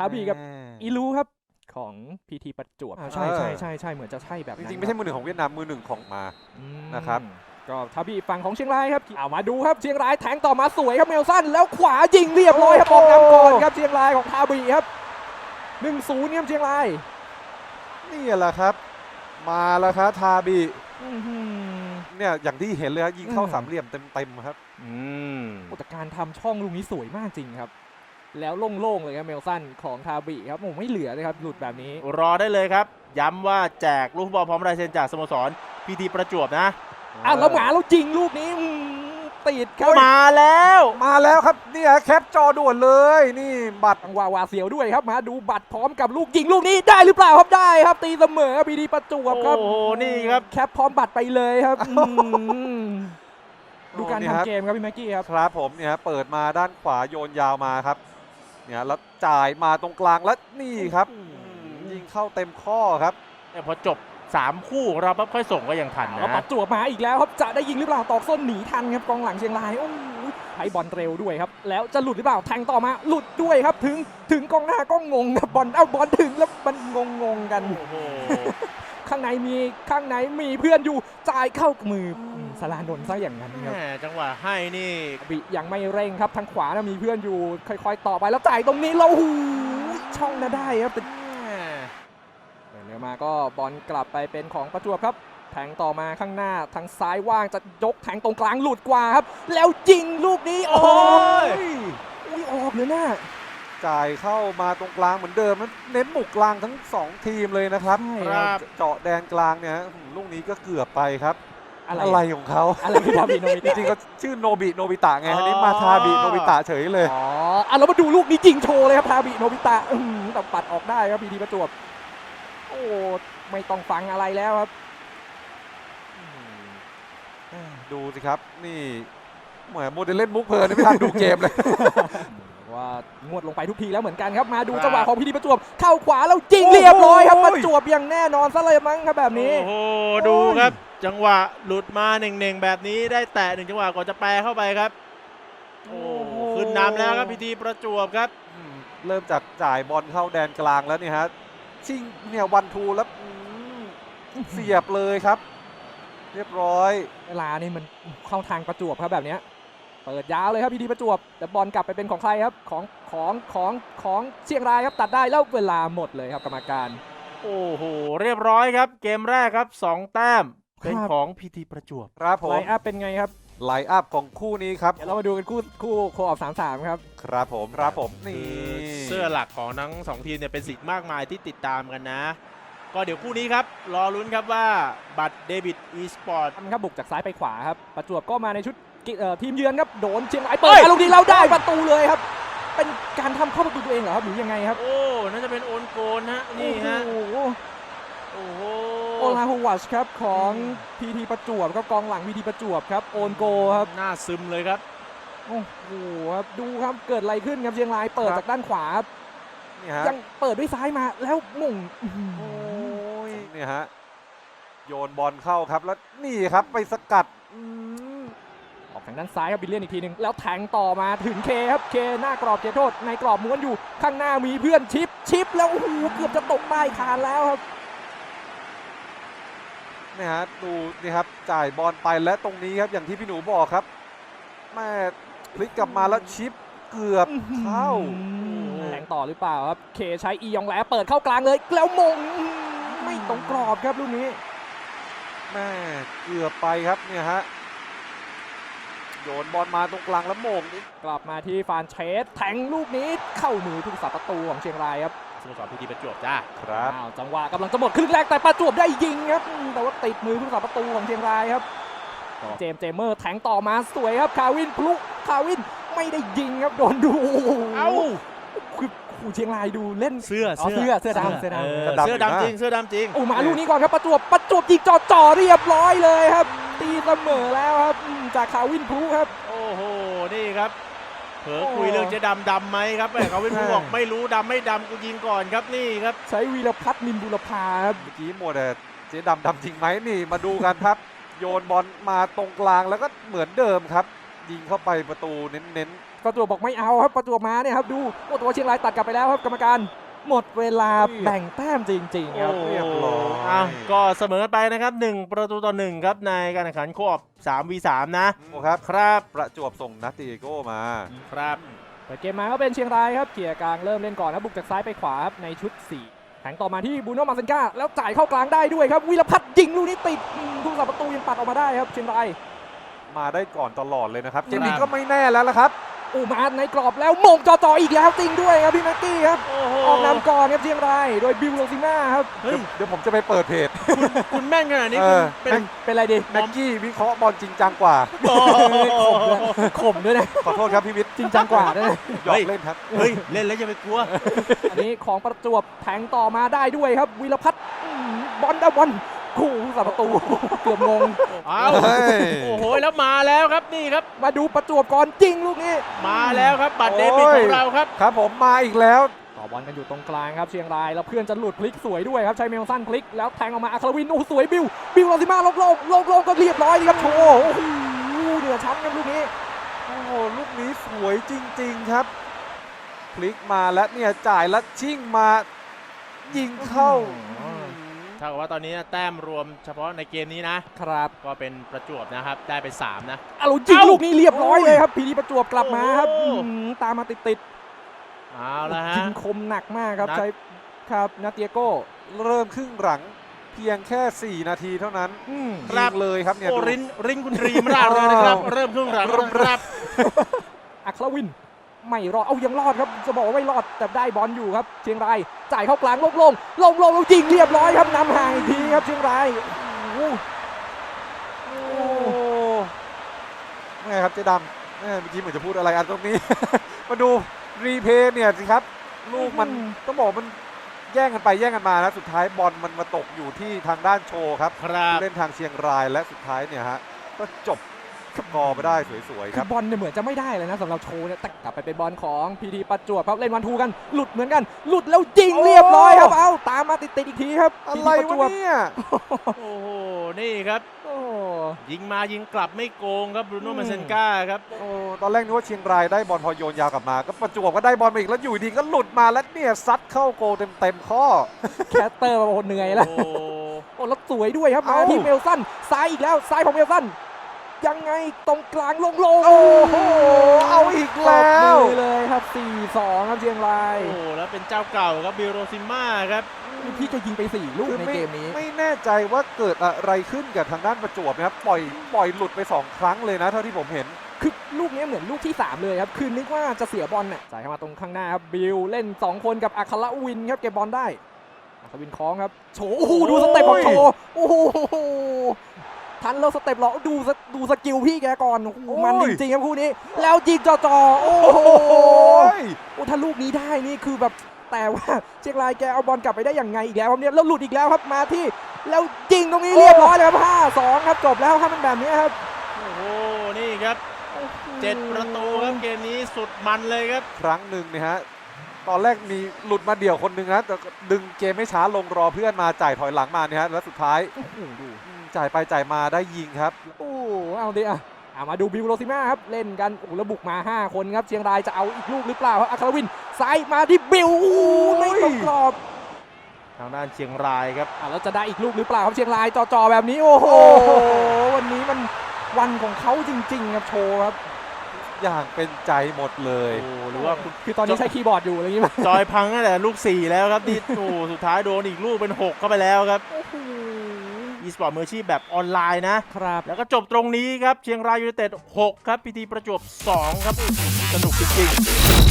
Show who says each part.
Speaker 1: าบีกับอีลูครับของพีทีประจวบใช่เหมือนจะใช่แบบนั้น
Speaker 2: จริงๆไม่ใช่มือหนึ่งของเวียดนามมือหนึ่งของมานะครับ
Speaker 1: ก็ทาบีฝั่งของเชียงรายครับเอามาดูครับเชียงรายแทงต่อมาสวยครับเมลสันแล้วขวายิงเรียบร้อยครับออกนำก่อนครับเชียงรายของทาบีครับ 1-0 ครับเชียงราย
Speaker 2: นี่แหละครับมาแล้วครับทาบีเนี่ยอย่างที่เห็นเลยครับยิงเข้าสามเหลี่ยมเต็มครับ
Speaker 1: แต่การทำช่องลูกนี้สวยมากจริงครับแล้วโล่งๆเลยครับเมลสันของทาบีครับผมไม่เหลือเลยครับหลุดแบบนี้
Speaker 3: รอได้เลยครับย้ำว่าแจกลูกฟุตบอลพร้อมลายเซ็นจากสโมสรพีทีประจวบนะ
Speaker 1: แล้วหมาเราจริงลูกนี้ติดครับ
Speaker 3: มาแล้ว
Speaker 2: ครับเนี่ยแคปจอด่วนเลยนี่บัตร
Speaker 1: วาเสียวด้วยครับมาดูบัตรพร้อมกับลูกยิงลูกนี้ได้หรือเปล่าครับได้ครับตีเสมอพีทีประจวบครับ
Speaker 3: โอ้นี่ครับ
Speaker 1: แคปพร้อมบัตรไปเลยครับดูการทำเกมครับพี่แม็กกี้ครับ
Speaker 2: ครับผมเนี่ยเปิดมาด้านขวาโยนยาวมาครับเนี่ยแล้วจ่ายมาตรงกลางแล้วนี่ครับยิงเข้าเต็มข้อครับ
Speaker 3: แต่พอจบ3คู่เราปั๊บค่อยส่งก็ยังทันนะ
Speaker 1: ประจวบมาอีกแล้วครับจะได้ยิงหรือเปล่าตอกส้นหนีทันครับกองหลังเชียงรายโอ้ใช้บอลเร็วด้วยครับแล้วจะหลุดหรือเปล่าแทงต่อมาหลุดด้วยครับถึงกองหน้าก็งงครับบอลถึงแล้วมันงงกันข้างในมีเพื่อนอยู่จ่ายเข้ามือสลานนท์ซะอย่างนั้นครับ
Speaker 3: จังหวะให้นี่
Speaker 1: บิยังไม่เร่งครับทางขวานะมีเพื่อนอยู่ค่อยๆต่อไปแล้วจ่ายตรงนี้เราหูช่องน่าได้ครับเดี๋ยวมาก็บอลกลับไปเป็นของประจวบครับแทงต่อมาข้างหน้าทางซ้ายว่างจะยกแทงตรงกลางหลุดกว่าครับแล้วยิงลูกนี้โอ้ยออกเลยนะ
Speaker 2: จ่ายเข้ามาตรงกลางเหมือนเดิมเน้นบุกกลางทั้ง2ทีมเลยนะครับเจาะแดนกลางเนี่ยลูกนี้ก็เกือบไปครับอะไรของเขา
Speaker 1: อะไรทาบิโนบิตะ
Speaker 2: จริงๆก็ชื่อโนบิตะไงอันนี้มาทาบิโนบิตะเฉยเลย
Speaker 1: เรามาดูลูกนี้จริงโชว์เลยครับทาบิโนบิตะแต่ปัดออกได้ครับพีทีประจวบโอ้ไม่ต้องฟังอะไรแล้วครับ
Speaker 2: ดูสิครับนี่เหมือนโมเดลเล่นมุกเพลินไม่ทันดูเกมเลย
Speaker 1: ว่างวดลงไปทุกทีแล้วเหมือนกันครับมาดูจังหวะของพีทีประจวบเข้าขวาแล้วยิงเรียบร้อยครับประจวบอย่างแน่นอนซะเลยมั้งครับแบบนี้
Speaker 3: โอ้ดูครับจังหวะหลุดมาเน่งๆแบบนี้ได้แตะ1จังหวะก่อนจะแปรเข้าไปครับโอ้ขึ้นนำแล้วครับพีทีประจวบครับ
Speaker 2: เริ่มจากจ่ายบอลเข้าแดนกลางแล้วนี่ฮะชิงเนี่ยวันทูแล้วเสียบเลยครับเรียบร้อย
Speaker 1: เวลานี่มันเข้าทางประจวบครับแบบนี้เปิดยาวเลยครับพีทีประจวบแต่บอลกลับไปเป็นของใครครับของเชียงรายครับตัดได้แล้วเวลาหมดเลยครับกรรมการ
Speaker 3: โอ้โหเรียบร้อยครับเกมแรกครับ2แต้มเป็นของพีทีประจวบ
Speaker 2: ครับผม
Speaker 1: ไลน์อัพเป็นไงครับ
Speaker 2: ไลน์อัพของคู่นี้ครับ
Speaker 1: เดี๋ยวเรามาดูกันคู่โคออฟ33ครับ
Speaker 2: ครับผมนี่
Speaker 3: เสื้อหลักของทั้ง2ทีมเนี่ยเป็นสิ่งมากมายที่ติดตามกันนะก็เดี๋ยวคู่นี้ครับรอลุ้นครับว่าบัตรเดบิตอีสปอร์ต
Speaker 1: ครับบุกจากซ้ายไปขวาครับประจวบก็มาในชุดทีมเยือนครับโดนเชียงรายเปิดลูกนี้เราได้ประตูเลยครับเป็นการทำเข้าประตูตัวเองเหรอครับหรือยังไงครับ
Speaker 3: โอ้น่าจะเป็นโอนโกนฮะนี่ฮะ
Speaker 1: โอลาฮูวัชครับของพีทีประจวบก็กองหลังพีทีประจวบครับโอนโกครับ
Speaker 3: หน้าซึมเลยครับ
Speaker 1: โอ้โหครับดูครับเกิดอะไรขึ้นครับเชียงรายเปิดจากด้านขวายังเปิดด้วยซ้ายมาแล้วมุ่ง
Speaker 2: โอ้ยเนี่ยฮะโยนบอลเข้าครับแล้วนี่ครับไปสกัด
Speaker 1: ออกทางด้านซ้ายครับบิลเลียนอีกทีหนึ่งแล้วแทงต่อมาถึงเคครับเคหน้ากรอบเขตโทษในกรอบม้วนอยู่ข้างหน้ามีเพื่อนชิปแล้วโอ้โหเกือบจะตกใต้คานแล้วครับ
Speaker 2: นี่ฮะดูนี่ครับจ่ายบอลไปและตรงนี้ครับอย่างที่พี่หนูบอกครับแม่พลิกกลับมาแล้วชิปเกือบเข้า
Speaker 1: แทงต่อหรือเปล่าครับเคใช้อียองแหลเปิดเข้ากลางเลยแล้วมงไม่ตรงกรอบครับลูกนี้
Speaker 2: แม่เกือบไปครับเนี่ยฮะโยนบอลมาตรงกลางแล้วโมง
Speaker 1: กลับมาที่ฟานเชสแทงลูกนี้เข้ามือผู้รักษาประตูของเชียงรายครับ
Speaker 3: สโมสรพีทีประจวบจ้า
Speaker 2: ครับ
Speaker 1: จังหวะกำลังจะหมดครึ่งแรกแต่ประจวบได้ยิงครับแต่ว่าติดมือผู้รักษาประตูของเชียงรายครับเจมเมอร์แทงต่อมาสวยครับคาวินไม่ได้ยิงครับโดนดูคือเชียงรายดูเล่น
Speaker 3: เสื้อ
Speaker 1: ดำ
Speaker 3: จริง
Speaker 1: โอ้มาลูกนี้ก่อนครับประจวบยิงจ่อเรียบร้อยเลยครับตีเสมอแล้วครับจากคาวินพลุครับ
Speaker 3: โอ้โหนี่ครับเผลอคุยเรื่องเจ๊ดำไหมครับแม่คาวินพลุบอกไม่รู้ดำไม่ดำกูยิงก่อนครับนี่ครับ
Speaker 1: ใช้วีรพัฒน์นินบุรพาครับ
Speaker 2: เมื่อกี้หมดแต่เจ๊ดำจริงไหมนี่มาดูกันครับโยนบอลมาตรงกลางแล้วก็เหมือนเดิมครับยิงเข้าไปประตูเน้น
Speaker 1: ประจวบบอกไม่เอาครับประจวบมาเนี่ยครับดูโอ้ตัวเชียงรายตัดกลับไปแล้วครับกรรมการหมดเวลาแบ่งแต้มจริงๆครับ
Speaker 2: เรียบร้อย
Speaker 3: อ้าวก็เสมอกันไปนะครับ1-1ครับในการแข่งขันโคออฟ 3v3 นะ
Speaker 2: ๆโอ้ครับ
Speaker 3: ครับ
Speaker 2: ประจวบส่งนัตติโก้มา
Speaker 3: ครับ
Speaker 1: เปิดเกมมาก็เป็นเชียงรายครับเกียร์กลางเริ่มเล่นก่อนนะบุกจากซ้ายไปขวาครับในชุด 4 แทงต่อมาที่บูโน่มาเซนกาแล้วจ่ายเข้ากลางได้ด้วยครับวิรพัฒน์ยิงลูกนี้ติดผู้รักษาประตูยังปัดออกมาได้ครับเชียงราย
Speaker 2: มาได้ก่อนตลอดเลยนะครับ
Speaker 3: ครับ
Speaker 2: เกมนี้ก็ไม่แน่แล้วละครับ
Speaker 1: มาในกรอบแล้วมงจ่อๆอีกแล้วจริงด้วยครับพี่แม็กกี้ครับ
Speaker 3: โอ้โห
Speaker 1: ออกนำก่อนครับเชียงรายโดยบิวโรซิม่าครับ
Speaker 3: เฮ้ย
Speaker 2: เดี๋ยวผมจะไปเปิดเพจ
Speaker 3: คุณแม่นขนาดนี้
Speaker 2: เอ
Speaker 3: คุณ
Speaker 2: อ
Speaker 3: เป็น
Speaker 1: เป็นอะไรดี
Speaker 2: แม็กกี้วิเคราะห์บอลจริงจังกว่า
Speaker 3: โอ้โห
Speaker 1: ข่มด้วยนะ
Speaker 2: ขอโทษครับพี่วิทย์
Speaker 1: จริงจังกว่าด้วยนะ
Speaker 2: หยอกเล่นครับ
Speaker 3: เฮ้ย เล่นแล้วอย่าไปกลัว
Speaker 1: อันนี้ของประจวบแทงต่อมาได้ด้วยครับวิรพัฒน์บอลได้บอลคู่ผู้รักษาประตูเกือบงง
Speaker 3: อ้าว
Speaker 2: เฮ้ย
Speaker 3: โอ้โห แล้วมาแล้วครับนี่ครับ
Speaker 1: มาดูประจวบก่อนจริงลูกนี้
Speaker 3: มาแล้วครับบัตรเดบิตของเราครับ
Speaker 2: ครับผมมาอีกแล้ว
Speaker 1: ต่อบอลกันอยู่ตรงกลางครับเชียงรายแล้วเพื่อนจะหลุดพลิกสวยด้วยครับใช้เมลสันพลิกแล้วแทงออกมาอัครวินโอ้สวยบิวลาซิมาโลงก็เรียบร้อยดีครับโชว์โอ้โหเหนือชั้นครับลูกนี้
Speaker 2: โอ้โหลูกนี้สวยจริงๆครับ พลิกมาแล้วเนี่ยจ่ายแล้วชิ่งมายิงเข้า
Speaker 3: ถ้ากับว่าตอนนี้แต้มรวมเฉพาะในเกมนี้นะ
Speaker 1: ครับ
Speaker 3: ก็เป็นประจวบนะครับ ได้ไป 3 นะ
Speaker 1: เอาลูกยิงลูกนี้เรียบร้อยเลยครับพีดีประจวบกลับมาครับ
Speaker 3: โอ้โห
Speaker 1: ตามมาติด
Speaker 3: เอาละ
Speaker 1: ๆ
Speaker 3: ฮะ
Speaker 1: ยิงคมหนักมากครับ
Speaker 3: นัด
Speaker 1: ใช้ครับนาเตียโก้
Speaker 2: เริ่มครึ่งหลังเพียงแค่ 4 นาทีเท่านั้น
Speaker 3: ครับ
Speaker 2: ยิงเลยครับเนี่ย
Speaker 3: โอ้
Speaker 2: ดู
Speaker 3: รินคุณรีมราดเลยนะครับ เริ่มครึ่งหลังครับ
Speaker 1: อัครวินไม่รอดเอายังรอดครับจะบอกว่าไม่รอดแต่ได้บอลอยู่ครับเชียงรายจ่ายเข้ากลางลงแล้วยิงเรียบร้อยครับนำห่างอีกทีครับเชียงรายโอ้โห
Speaker 2: โอ้ไงครับเจ๊ดำเมื่อกี้เหมือนจะพูดอะไรอันตรงนี้ มาดูรีเพย์เนี่ยสิครับ ลูกมันต้องบอกมันแย่งกันไปแย่งกันมานะสุดท้ายบอลมันมาตกอยู่ที่ทางด้านโชว์ครับ
Speaker 3: ครับ
Speaker 2: ผู้เล่นทางเชียงรายและสุดท้ายเนี่ยฮะก็จบสกอร์ไปได้สวยๆค
Speaker 1: คื
Speaker 2: รั
Speaker 1: อบ บอลเนี่ยเหมือนจะไม่ได้เลยนะสำหรับโชว์เนี่ยแต่กลับไปเป็นบอลของพีทีประจวบครับเล่นวันทูกันหลุดเหมือนกันหลุดแล้วยิงเรียบร้อยครับเอาตามมาติดๆอีกทีครับ
Speaker 2: อะไร
Speaker 1: PT ประจ
Speaker 2: วะเนี่ย
Speaker 3: โอ้โห นี่ครับ
Speaker 1: โอ้
Speaker 3: ยิงมายิงกลับไม่โกงครับบรูโน่มาเซนกาครับ
Speaker 2: โอ้ตอนแรกนึกว่าเชียงรายได้บอลพอโยนยาวกลับมา ก็ประจวบก็ได้บอลมาอีกแล้วอยู่ดีก็หลุดมาแล้วเนี่ยซัดเข้าโกลเต็มข้อ
Speaker 1: แคสเตอร์มาโอ้โหเหนื่อยแล้ว
Speaker 3: โอ้
Speaker 1: โอ้แล้วสวยด้วยครับมา
Speaker 2: เอ้า
Speaker 1: ที่เมลสันซ้ายอีกแล้วซ้ายของเมลสันยังไงตรงกลางโล่งๆ
Speaker 2: โอ้โหเอาอีก
Speaker 1: ตบ
Speaker 2: แล้ว
Speaker 1: มือเลยครับ 4-2 ครับเชียงราย
Speaker 3: โอ้แล้วเป็นเจ้าเก่าครับบิลโรซิม่าครับ
Speaker 1: ที่จะยิงไป 4 ลูก
Speaker 2: คือ
Speaker 1: ในเกมนี้
Speaker 2: ไม่แน่ใจว่าเกิดอะไรขึ้นกับทางด้านประจวบนะครับปล่อยหลุดไป 2 ครั้งเลยนะเท่าที่ผมเห็น
Speaker 1: คือลูกนี้เหมือนลูกที่ 3 เลยครับ คือนึกว่าจะเสียบอลน่ะจ่ายเข้ามาตรงข้างหน้าครับ บิลเล่น 2 คนกับอัครวินครับเก็บบอลได้ อัครวินคล้องครับ โฉโอ้โหดูสเต็ปของโฉโอ้โหทันแล้วสเต็ปเหรอดูสกิลพี่แกก่อนโอ้โห
Speaker 2: โอ้ย
Speaker 1: มันจริงๆครับคู่นี้ แล้วยิงจ่อๆโอ้โห
Speaker 2: ย
Speaker 1: โอ้ถ้าลูกนี้ได้นี่คือแบบแต่ว่าเชียงรายแกเอาบอลกลับไปได้อย่างไงอีกแล้วครับเนี่ยแล้วหลุดอีกแล้วครับมาที่แล้วยิงตรงนี้เรียบร้อยเลยครับ 5-2 ครับจบแล้วครับมันแบบนี้ครับ
Speaker 3: โอ้โห นี่ครับ7 ประตูครับเกมนี้สุดมันเลยครับ
Speaker 2: ครั้งหนึ่งเนี่ยฮะตอนแรกมีหลุดมาเดี่ยวคนหนึ่งนะแต่ดึงเกมไม่ช้าลงรอเพื่อนมาจ่ายถอยหลังมาเนี่ยฮะแล้วสุดท้ายจ่ายไปจ่ายมาได้ยิงครับ
Speaker 1: โอ้เอาดิอ่ะมาดูบิวโรซิม่าครับเล่นกันโอ้แล้วบุกมา 5 คนครับเชียงรายจะเอาอีกลูกหรือเปล่าครับอัครวินซ้ายมาที่บิวโอ้ไม่ตรงกรอบ
Speaker 3: ทางด้านเชียงรายครับ
Speaker 1: แล้วจะได้อีกลูกหรือเปล่าครับเชียงรายจ่อๆแบบนี้โอ้โหวันนี้มันวันของเขาจริงๆครับโชว์ครับ
Speaker 2: อย่างเป็นใจหมดเลย
Speaker 3: โอ้หรือว่าคุณ
Speaker 1: คือตอนนี้ใช้คีย์บอร์ดอยู่อะไรอย่างงี้ป่ะ
Speaker 3: จอยพังตั้งแต่ลูก 4 แล้วครับดิโอ้สุดท้ายโดนอีกลูกเป็น 6 เข้าไปแล้วครับ
Speaker 1: โอ้โห
Speaker 3: อีสปอร์ตมืออาชีพแบบออนไลน์นะ
Speaker 1: ครับ
Speaker 3: แล้วก็จบตรงนี้ครับ เชียงรายยูไนเต็ด 6 ครับพีทีประจวบ 2 ครับ สนุกจริงๆ